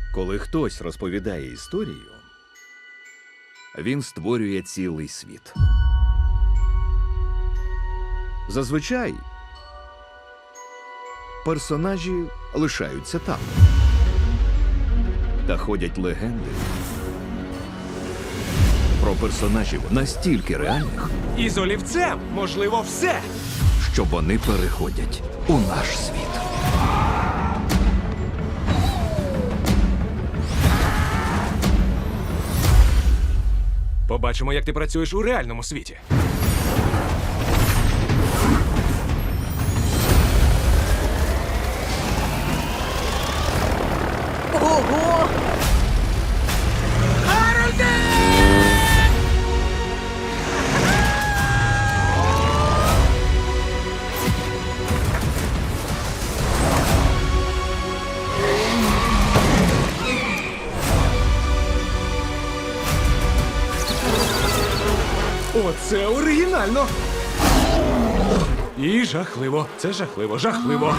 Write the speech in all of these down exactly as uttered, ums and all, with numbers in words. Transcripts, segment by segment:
Коли хтось розповідає історію, він створює цілий світ. Зазвичай персонажі лишаються там. Та ходять легенди про персонажів настільки реальних, І з олівцем можливо все. що вони переходять у наш світ. Побачимо, як ти працюєш у реальному світі. Ого! Оце оригінально. І жахливо. Це жахливо, жахливо.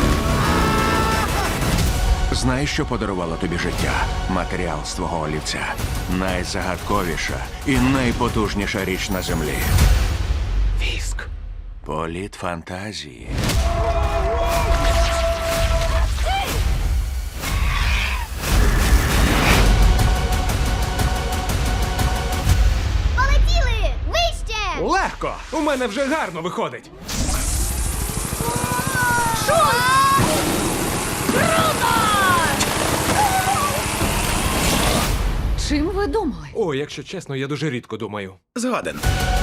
Знаєш, що подарувало тобі життя? Матеріал з твого олівця. Найзагадковіша і найпотужніша річ на землі. Віск. Політ фантазії. Полетіли! Вище! Легко! У мене вже гарно виходить. Чим ви думали? О, якщо чесно, я дуже рідко думаю. Згоден.